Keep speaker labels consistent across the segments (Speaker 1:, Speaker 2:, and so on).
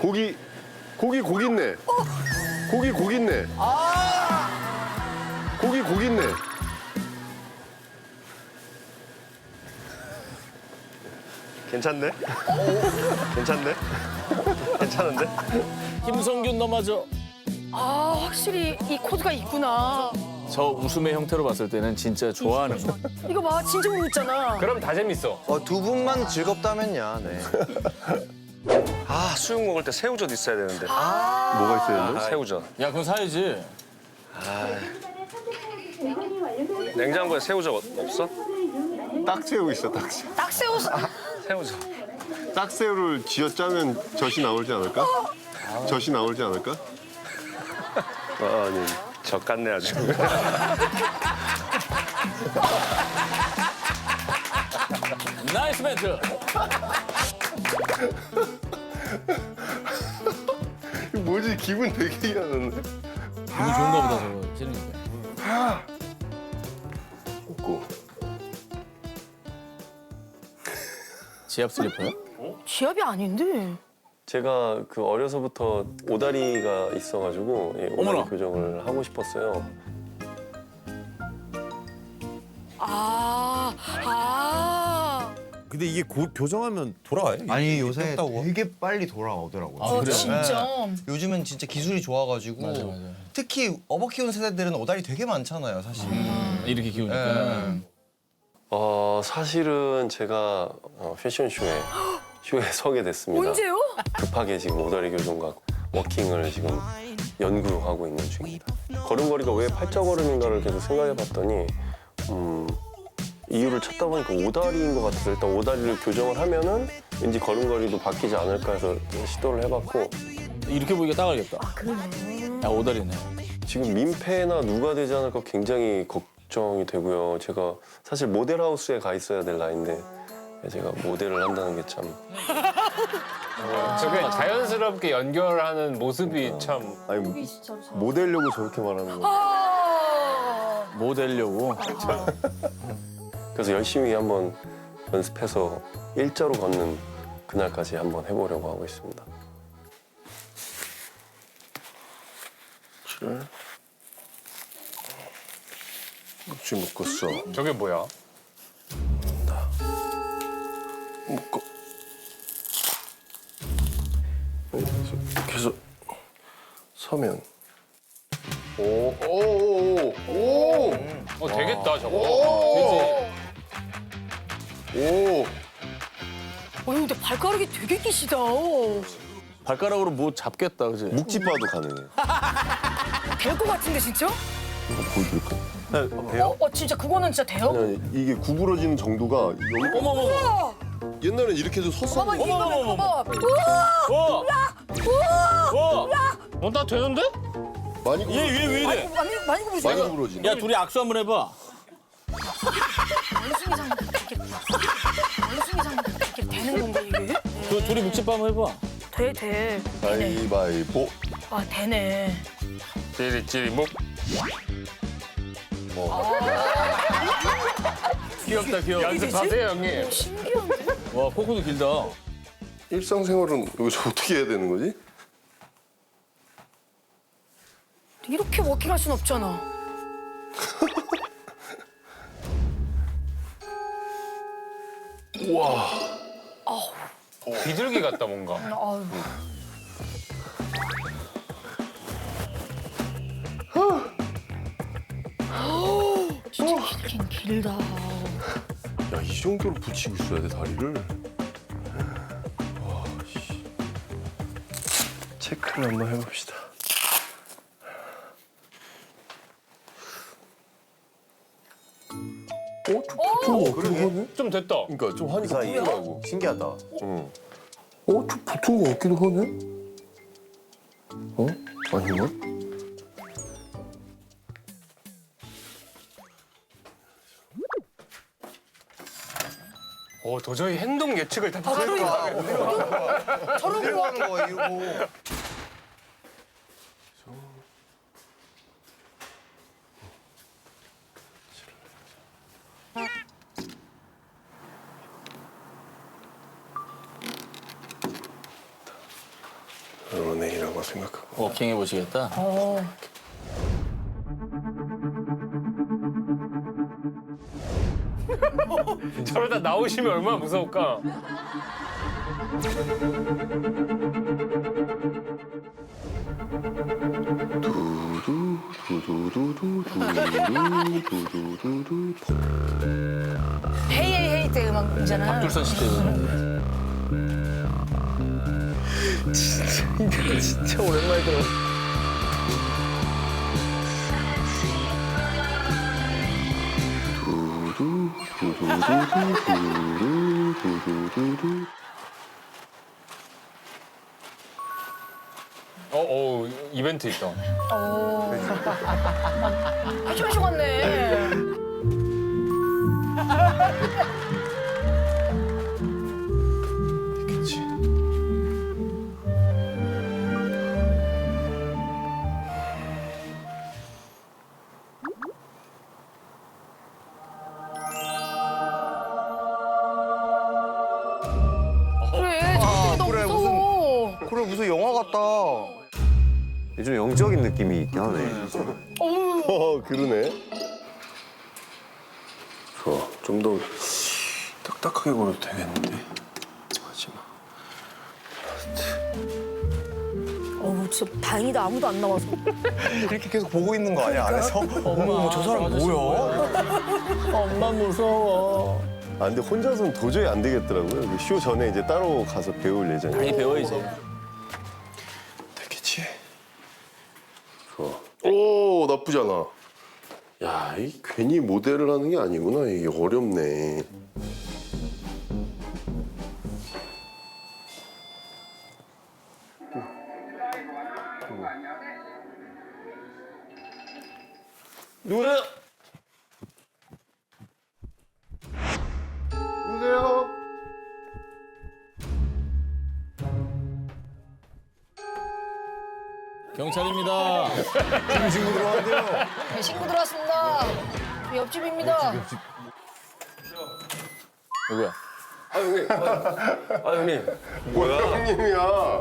Speaker 1: 고기 있네. 고기 있네. 고기 있네. 괜찮네? 괜찮네? 괜찮은데?
Speaker 2: 김성균 넘어져.
Speaker 3: 아, 확실히 이 코드가 있구나.
Speaker 2: 저 웃음의 형태로 봤을 때는 진짜 좋아하는 거.
Speaker 3: 이거 봐, 진짜 웃잖아.
Speaker 4: 그럼 다 재밌어.
Speaker 5: 두 분만 즐겁다면야. 네.
Speaker 6: 아, 수육 먹을 때 새우젓 있어야 되는데.
Speaker 1: 뭐가 있어야 되는데?
Speaker 6: 새우젓.
Speaker 2: 야, 그건 사야지.
Speaker 6: 냉장고에 새우젓 없어?
Speaker 1: 딱새우 있어, 딱새우.
Speaker 3: 딱 세워서.
Speaker 6: 새우젓.
Speaker 1: 딱새우를 쥐어짜면 젖이 나오지 않을까? 젖이 나오지 않을까? 아니.
Speaker 6: 젓 같네 아주.
Speaker 2: 나이스 멘트.
Speaker 1: 이거 뭐지? 기분 되게 이상한데?
Speaker 2: 기분 좋은가 보다, 저거. 재밌는데.
Speaker 1: 없고.
Speaker 2: 지압 슬리퍼요?
Speaker 3: 지압이 아닌데.
Speaker 7: 제가 그 어려서부터 오다리가 있어가지고 예, 오다리
Speaker 2: 어머나.
Speaker 7: 교정을 하고 싶었어요.
Speaker 8: 근데 이게 교정하면 돌아와요?
Speaker 5: 아니 요새
Speaker 8: 뺐다고?
Speaker 5: 되게 빨리 돌아오더라고요.
Speaker 2: 아, 그래요?
Speaker 3: 진짜.
Speaker 5: 요즘은 진짜 기술이 좋아가지고
Speaker 2: 맞아.
Speaker 5: 특히 어버 키우는 세대들은 오다리 되게 많잖아요, 사실.
Speaker 2: 이렇게 키우니까.
Speaker 5: 예.
Speaker 7: 사실은 제가 패션쇼에 서게 됐습니다.
Speaker 3: 언제요?
Speaker 7: 급하게 지금 오다리 교정과 워킹을 지금 연구하고 있는 중입니다. 걸음걸이가 왜 팔자걸음인가를 계속 생각해봤더니 이유를 찾다 보니까 오다리인 것 같아서 일단 오다리를 교정을 하면은 왠지 걸음걸이도 바뀌지 않을까 해서 시도를 해봤고
Speaker 2: 이렇게 보기가 딱 알겠다.
Speaker 3: 그러네.
Speaker 2: 야, 오다리네.
Speaker 7: 지금 민폐나 누가 되지 않을까 굉장히 걱정이 되고요. 제가 사실 모델하우스에 가 있어야 될 나이인데 제가 모델을 한다는 게 참
Speaker 4: 저게 자연스럽게 연결하는 모습이 참.
Speaker 1: 아니, 뭐 되려고 저렇게 말하는 거야?
Speaker 2: 뭐 되려고.
Speaker 7: 그래서 열심히 한번 연습해서 일자로 걷는 그날까지 한번 해보려고 하고 있습니다.
Speaker 1: 그래? 지금 묶었어.
Speaker 4: 저게 뭐야?
Speaker 1: 묶어. 이렇게 해서 서면. 오.
Speaker 4: 되겠다 저거.
Speaker 1: 오.
Speaker 3: 근데 발가락이 되게 기시다.
Speaker 2: 발가락으로 뭐 잡겠다, 그지?
Speaker 1: 묵지바도 가능해요.
Speaker 3: 될 것 같은데, 진짜?
Speaker 1: 이거 보여드릴까?
Speaker 3: 돼요? 진짜 그거는 진짜 돼요?
Speaker 1: 아니, 이게 구부러지는 정도가 여기
Speaker 2: 어머머머.
Speaker 1: 옛날엔 이렇게 해서 섰어.
Speaker 3: 봐봐, 이거 봐봐.
Speaker 2: 와! 와!
Speaker 4: 나 되는데?
Speaker 1: 많이
Speaker 2: 얘 왜 이래?
Speaker 3: 많이 구부러져.
Speaker 1: 많이 구부러지네.
Speaker 2: 야, 둘이 악수 한번 해봐.
Speaker 3: 원숭이장 이렇게 되는 건가, 이게?
Speaker 2: 둘이 묵집밥 한번 해봐.
Speaker 3: 돼. 되네.
Speaker 1: 가위바위보.
Speaker 3: 되네.
Speaker 4: 찌리찌리목.
Speaker 2: 귀엽다, 귀여워.
Speaker 4: 연습하세요 형님.
Speaker 3: 신기한데?
Speaker 2: 와, 코코도 길다.
Speaker 1: 일상생활은 여기서 어떻게 해야 되는 거지?
Speaker 3: 이렇게 워킹할 순 없잖아.
Speaker 4: 비둘기 같다 뭔가.
Speaker 3: 아유. 진짜 길긴 길다.
Speaker 1: 야, 이 정도로 붙이고 있어야 돼, 다리를. 와, 씨. 체크를 한번 해봅시다. 붙은 거 같기도 하네?
Speaker 4: 좀 됐다.
Speaker 1: 그러니까 좀 하니까 붙더라고.
Speaker 5: 신기하다.
Speaker 1: 좀 붙은 거 같기도 하네? 아닌가?
Speaker 4: 도저히 행동 예측을 다
Speaker 3: 저런
Speaker 5: 어디로
Speaker 3: 거
Speaker 5: 가는 거야, 이거.
Speaker 1: 연예인이라고 생각하고.
Speaker 2: 워킹 해보시겠다.
Speaker 4: 저러다 나오시면 얼마나 무서울까?
Speaker 3: 헤이 헤이 헤이 때 음악이잖아.
Speaker 2: 박둘선 씨 때문에. 진짜 오랜만에 들어.
Speaker 4: 이벤트 있다.
Speaker 3: 아주 마시 갔네.
Speaker 1: 그치.
Speaker 3: 그래, 저때 너무
Speaker 5: 그래,
Speaker 3: 무서워.
Speaker 5: 그래 무슨 영화 같다.
Speaker 8: 좀 영적인 느낌이 있긴 하네.
Speaker 1: 그러네. 좋아. 좀 더 딱딱하게 걸어도 되겠는데. 마지막.
Speaker 3: 어우, 진짜 다행이다. 아무도 안 나와서.
Speaker 5: 이렇게 계속 보고 있는 거 아니야 안에서? 어머 저 사람 뭐야?
Speaker 2: 엄마 무서워.
Speaker 1: 아 근데 혼자서는 도저히 안 되겠더라고요. 그쇼 전에 이제 따로 가서 배울 예정이에요.
Speaker 2: 많이 배워 이제.
Speaker 1: 되겠지. 좋아. 오 나쁘지 않아. 야, 이 괜히 모델을 하는 게 아니구나. 이게 어렵네. 누구세요? 누구세요?
Speaker 2: 경찰입니다.
Speaker 3: 네, 친구 들어왔습니다. 옆집입니다.
Speaker 2: 누구야?
Speaker 7: 아 형님. 아 형님. 뭐야?
Speaker 1: 형님이야.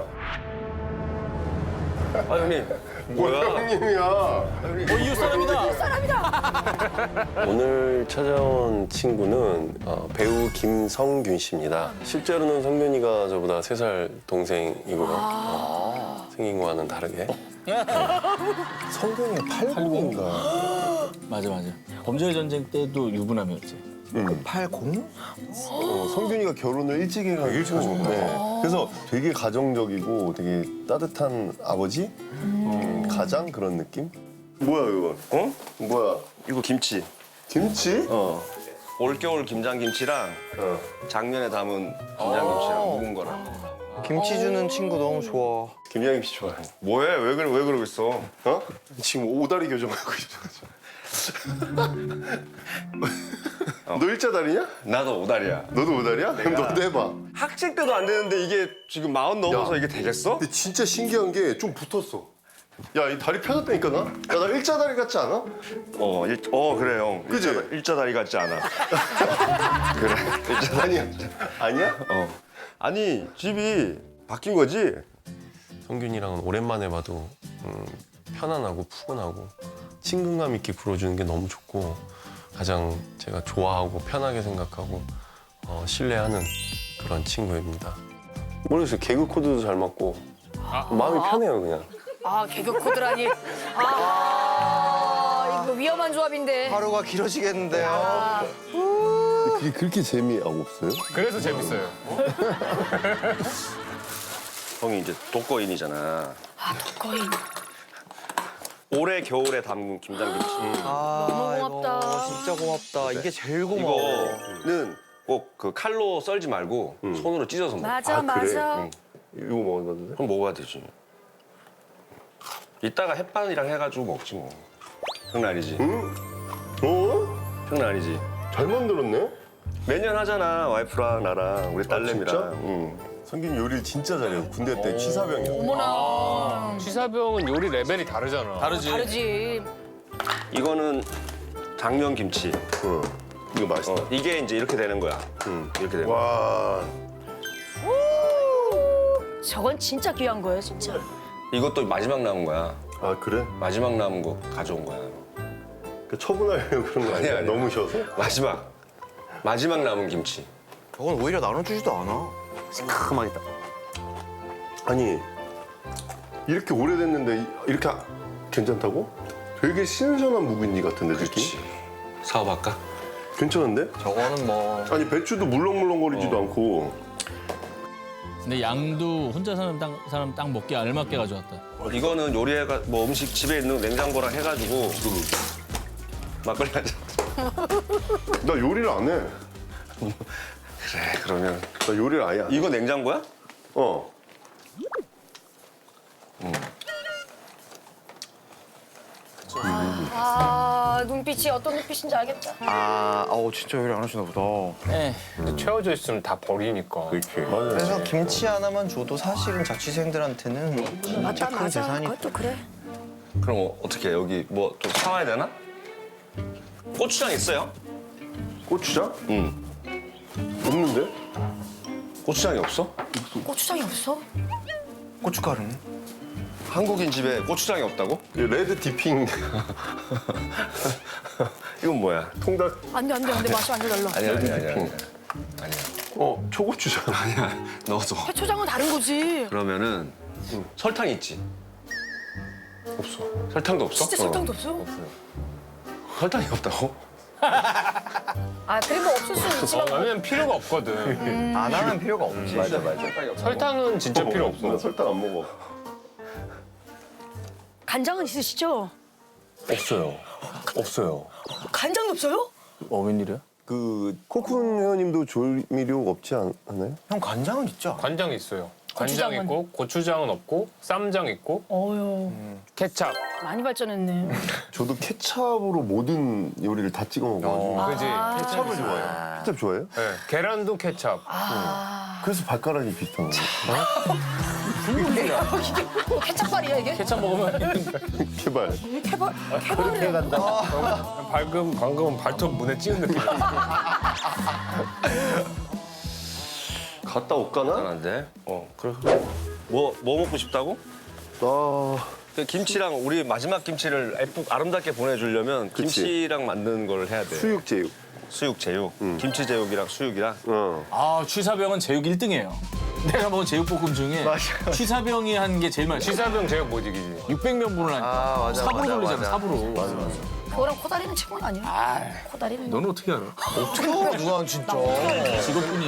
Speaker 7: 아 형님. 뭐야?
Speaker 1: 형님이야.
Speaker 2: 이웃 사람이다.
Speaker 3: 사람이다.
Speaker 7: 오늘 찾아온 친구는 배우 김성균 씨입니다. 실제로는 성균이가 저보다 3살 동생이고요. 생긴 거와는 다르게.
Speaker 1: 성경이 80인가?
Speaker 2: 맞아. 범죄의 전쟁 때도 유부남이었지.
Speaker 5: 80?
Speaker 1: 성균이가 결혼을 일찍 해가지고 일찍 하셨구나. 네. 그래서 되게 가정적이고 되게 따뜻한 아버지? 가장 그런 느낌? 뭐야 이거?
Speaker 6: 어?
Speaker 1: 뭐야?
Speaker 6: 이거 김치.
Speaker 1: 김치?
Speaker 6: 올겨울 김장김치랑 작년에 담은 김장김치랑 묵은 거랑.
Speaker 5: 김치 주는 친구 너무 좋아.
Speaker 1: 김양김치 좋아해.
Speaker 6: 뭐해? 왜 그러고 있어?
Speaker 1: 어? 지금 오다리 교정하고 있어. 너 일자다리냐?
Speaker 6: 나도 오다리야.
Speaker 1: 너도 오다리야? 그럼 너도 해봐.
Speaker 6: 학생 때도 안 되는데 이게 지금 40 넘어서
Speaker 1: 야.
Speaker 6: 이게 되겠어?
Speaker 1: 근데 진짜 신기한 게 좀 붙었어. 야, 이 다리 펴졌다니까 나? 야, 나 일자다리 같지 않아?
Speaker 6: 그래 형.
Speaker 1: 그지?
Speaker 6: 일자다리 같지 않아. 그래.
Speaker 1: 아니야. 아니야?
Speaker 6: 아니 집이 바뀐 거지?
Speaker 7: 성균이랑은 오랜만에 봐도 편안하고 푸근하고 친근감 있게 불어주는 게 너무 좋고 가장 제가 좋아하고 편하게 생각하고 신뢰하는 그런 친구입니다. 모르겠어요. 개그 코드도 잘 맞고 마음이 편해요 그냥.
Speaker 3: 아, 개그 코드라니. 이거 위험한 조합인데.
Speaker 5: 하루가 길어지겠는데요.
Speaker 3: 아,
Speaker 1: 그게 그렇게 재미없어요?
Speaker 4: 그래서 재밌어요.
Speaker 6: 형이 이제 독거인이잖아.
Speaker 3: 거의.
Speaker 6: 올해 겨울에 담근 김장김치.
Speaker 5: 아,
Speaker 3: 너무 고맙다.
Speaker 5: 이거 진짜 고맙다. 이게 제일 고마워.
Speaker 6: 이거는 꼭 그 칼로 썰지 말고 손으로 찢어서 먹어.
Speaker 3: 맞아.
Speaker 1: 이거 먹어도 돼?
Speaker 6: 그럼 먹어야 되지. 이따가 햇반이랑 해가지고 먹지 뭐. 장난이지?
Speaker 1: 어?
Speaker 6: 장난이지?
Speaker 1: 잘 만들었네?
Speaker 6: 매년 하잖아 와이프랑 나랑 우리 딸내미랑.
Speaker 1: 진짜?
Speaker 6: 응.
Speaker 1: 성균이 요리를 진짜 잘해요. 군대 때 취사병이었어.
Speaker 3: 어머나.
Speaker 4: 취사병은 요리 레벨이 다르잖아.
Speaker 3: 다르지.
Speaker 6: 이거는 당면김치.
Speaker 1: 이거 맛있다.
Speaker 6: 이게 이제 이렇게 되는 거야. 이렇게 되는 거야.
Speaker 1: 와.
Speaker 3: 저건 진짜 귀한 거예요, 진짜.
Speaker 6: 이것도 마지막 남은 거야.
Speaker 1: 아 그래?
Speaker 6: 마지막 남은 거 가져온 거야.
Speaker 1: 그 처분하려고 그런 거 아니야?
Speaker 6: 아니야.
Speaker 1: 너무 쉬어서?
Speaker 6: 마지막 남은 김치.
Speaker 5: 저건 오히려 나눠주지도 않아.
Speaker 8: 새카맣다.
Speaker 1: 아니 이렇게 오래됐는데 이렇게 괜찮다고? 되게 신선한 묵은지 같은데 느낌?
Speaker 6: 그렇지. 사업할까?
Speaker 1: 괜찮은데?
Speaker 5: 저거는 뭐
Speaker 1: 아니 배추도 물렁물렁거리지도 않고
Speaker 2: 근데 양도 혼자 사는 사람 딱 먹기 알맞게 가져왔다.
Speaker 6: 이거는 요리해가 뭐 음식 집에 있는 냉장고랑 해가지고 막걸리 하자.
Speaker 1: 나 요리를 안 해.
Speaker 6: 그래 그러면
Speaker 1: 나 요리를 아예 안 해.
Speaker 6: 이거 냉장고야?
Speaker 1: 어.
Speaker 3: 아, 눈빛이 어떤 눈빛인지 알겠다.
Speaker 5: 진짜 요리 안 하시나 보다.
Speaker 2: 에
Speaker 4: 근데 채워져 있으면 다 버리니까.
Speaker 1: 맞아요.
Speaker 5: 그래서 김치 하나만 줘도 사실은 자취생들한테는
Speaker 3: 맞다,
Speaker 5: 큰
Speaker 3: 맞아.
Speaker 5: 재산이.
Speaker 3: 그것도 그래.
Speaker 6: 그럼 어떻게 해? 여기 뭐 좀 사와야 되나? 고추장 있어요?
Speaker 1: 고추장?
Speaker 6: 응.
Speaker 1: 없는데?
Speaker 6: 고추장이 없어?
Speaker 3: 고추장이 없어?
Speaker 5: 고춧가루는?
Speaker 6: 한국인 집에 고추장이 없다고?
Speaker 1: 이 레드 디핑
Speaker 6: 이건 뭐야?
Speaker 1: 통닭.
Speaker 3: 안 돼, 안 돼, 안 돼. 맛이 완전 달라.
Speaker 6: 아니야.
Speaker 1: 초고추장.
Speaker 6: 아니야. 넣어서.
Speaker 3: 해초장은 다른 거지.
Speaker 6: 그러면은 설탕 있지?
Speaker 1: 없어.
Speaker 6: 설탕도 없어?
Speaker 3: 진짜 설탕도 없어?
Speaker 6: 설탕이 없다고?
Speaker 3: 아, 그리고 없을 수는 있지만.
Speaker 4: 왜냐면 필요가 없거든.
Speaker 5: 안 하면 필요가 없지.
Speaker 6: 맞아.
Speaker 4: 설탕은 진짜 필요 없어.
Speaker 1: 나 설탕 안 먹어.
Speaker 3: 간장은 있으시죠?
Speaker 1: 없어요. 없어요.
Speaker 3: 간장이 없어요?
Speaker 2: 웬일이야?
Speaker 1: 그 코쿤 회원님도 조미료 없지 않나요?
Speaker 5: 형 간장은 있죠?
Speaker 4: 간장 있어요. 간장
Speaker 3: 고추장은?
Speaker 4: 있고 고추장은 없고 쌈장 있고
Speaker 3: 어휴,
Speaker 4: 케찹.
Speaker 3: 많이 발전했네.
Speaker 1: 저도 케찹으로 모든 요리를 다 찍어 먹어가지고
Speaker 4: 그지?
Speaker 1: 케찹을 좋아해요. 케찹 좋아해요?
Speaker 4: 네, 계란도 케찹.
Speaker 1: 그래서 발가락이 비슷한 거예요.
Speaker 3: 케찹발이야, 이게?
Speaker 2: 케찹 먹으면
Speaker 1: 개발.
Speaker 3: 케밥을.
Speaker 4: 방금은 발톱 문에 찍은 느낌이야.
Speaker 1: 갔다 올까나?
Speaker 6: 안돼. 그래. 뭐 먹고 싶다고?
Speaker 1: 나
Speaker 6: 그 김치랑 우리 마지막 김치를 아름답게 보내주려면
Speaker 1: 그치.
Speaker 6: 김치랑 만드는 걸 해야 돼.
Speaker 1: 수육제육.
Speaker 6: 수육 제육. 김치 제육이랑 수육이랑.
Speaker 2: 아 취사병은 제육 1등이에요. 내가 먹은 제육볶음 중에 취사병이 한 게 제일 맛있어.
Speaker 4: 취사병 제육 못 이기지.
Speaker 2: 600명분을 하니까
Speaker 5: 맞아,
Speaker 2: 삽으로
Speaker 5: 맞아,
Speaker 2: 돌리잖아
Speaker 5: 맞아.
Speaker 2: 삽으로.
Speaker 3: 그거랑 코다리는 최고는 아니야. 코다리는.
Speaker 2: 너는 어떻게 알아?
Speaker 5: 누나 진짜.
Speaker 2: 직업군이.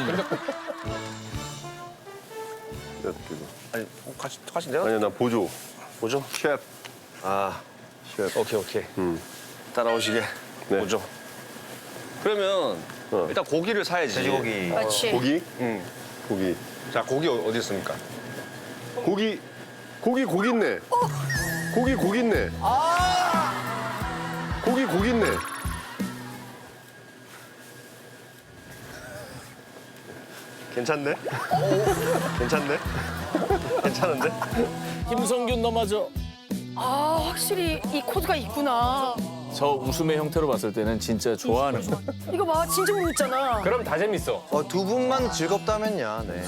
Speaker 6: 아니 같이 내가
Speaker 1: 아니야 나 보조.
Speaker 6: 보죠.
Speaker 1: 셰프. 셰프.
Speaker 6: 오케이. 따라오시게.
Speaker 1: 네.
Speaker 6: 보죠. 그러면 일단 고기를 사야지.
Speaker 5: 돼지고기.
Speaker 3: 그렇지.
Speaker 1: 고기?
Speaker 6: 응.
Speaker 1: 고기.
Speaker 6: 자 고기 어디 있습니까?
Speaker 1: 고기 있네. 고기 있네. 고기 있네.
Speaker 6: 괜찮네? 괜찮네? 괜찮은데?
Speaker 2: 김성균 넘어져.
Speaker 3: 아, 확실히 이 코드가 있구나.
Speaker 2: 저 웃음의 형태로 봤을 때는 진짜 좋아하는 거.
Speaker 3: 이거 봐, 진짜 웃잖아.
Speaker 4: 그럼 다 재밌어.
Speaker 5: 두 분만 즐겁다면야. 네.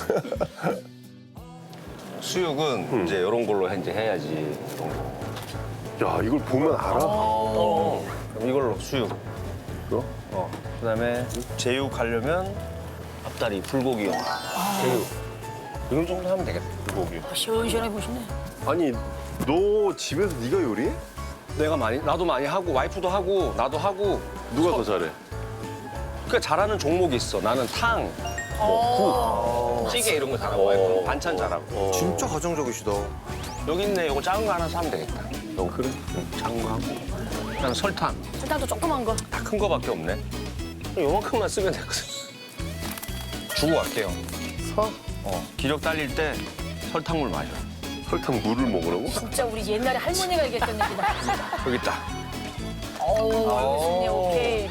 Speaker 6: 수육은 이제 이런 걸로 이제 해야지.
Speaker 1: 야 이걸 보면 알아?
Speaker 6: 그럼 이걸로 수육.
Speaker 1: 이거?
Speaker 6: 그다음에 제육 하려면 앞다리 불고기요. 제육. 이 정도 하면 되겠다. 불고기.
Speaker 3: 시원시원하게 보시네.
Speaker 1: 아니 너 집에서 네가 요리해?
Speaker 6: 나도 많이 하고 와이프도 하고 나도 하고.
Speaker 1: 누가 더 잘해?
Speaker 6: 그러니까 잘하는 종목이 있어. 나는 탕, 국, 찌개 이런 거 잘하고 와이프는 반찬 잘하고.
Speaker 5: 진짜 가정적이시다.
Speaker 6: 여기 있네. 이거 작은 거 하나 사면 되겠다.
Speaker 1: 그래?
Speaker 6: 작은 거 하고. 그다음에 설탕.
Speaker 3: 일단도 조그만 거.
Speaker 6: 다 큰 거밖에 없네. 요만큼만 쓰면 되거든. 주고 갈게요.
Speaker 1: 사?
Speaker 6: 기력 딸릴 때 설탕물 마셔.
Speaker 1: 설탕 물을 먹으라고?
Speaker 3: 진짜 우리 옛날에 할머니가 얘기했던 얘기다.
Speaker 6: 여기 있다.
Speaker 3: 어우, 좋네, 오케이.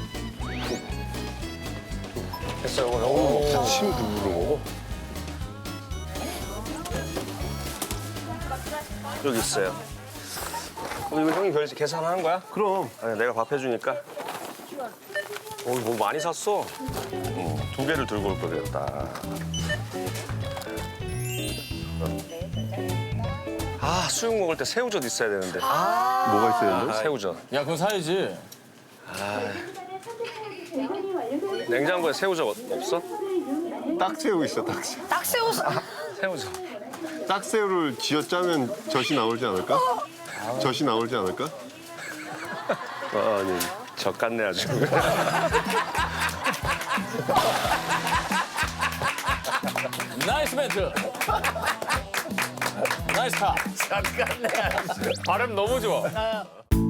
Speaker 6: 됐어. 요거 먹자.
Speaker 1: 침 물을 먹어?
Speaker 6: 여기 있어요. 그럼 이거 형이 계산하는 거야?
Speaker 1: 그럼.
Speaker 6: 아니, 내가 밥 해주니까. 뭐 많이 샀어. 2개를 들고 올 걸 그랬다. 아, 수육 먹을 때 새우젓 있어야 되는데.
Speaker 1: 뭐가 있어야 되는데?
Speaker 6: 새우젓.
Speaker 2: 야, 그건 사야지.
Speaker 6: 냉장고에 새우젓 없어?
Speaker 1: 딱새우 있어, 딱새우.
Speaker 3: 딱새우
Speaker 6: 새우젓.
Speaker 1: 딱새우를 쥐어 짜면 젖이 나오지 않을까? 젖이 나오지 않을까?
Speaker 6: 아니, 젓 같네 아주.
Speaker 2: 나이스 멘트. 나이스 타.
Speaker 4: 발음 너무 좋아.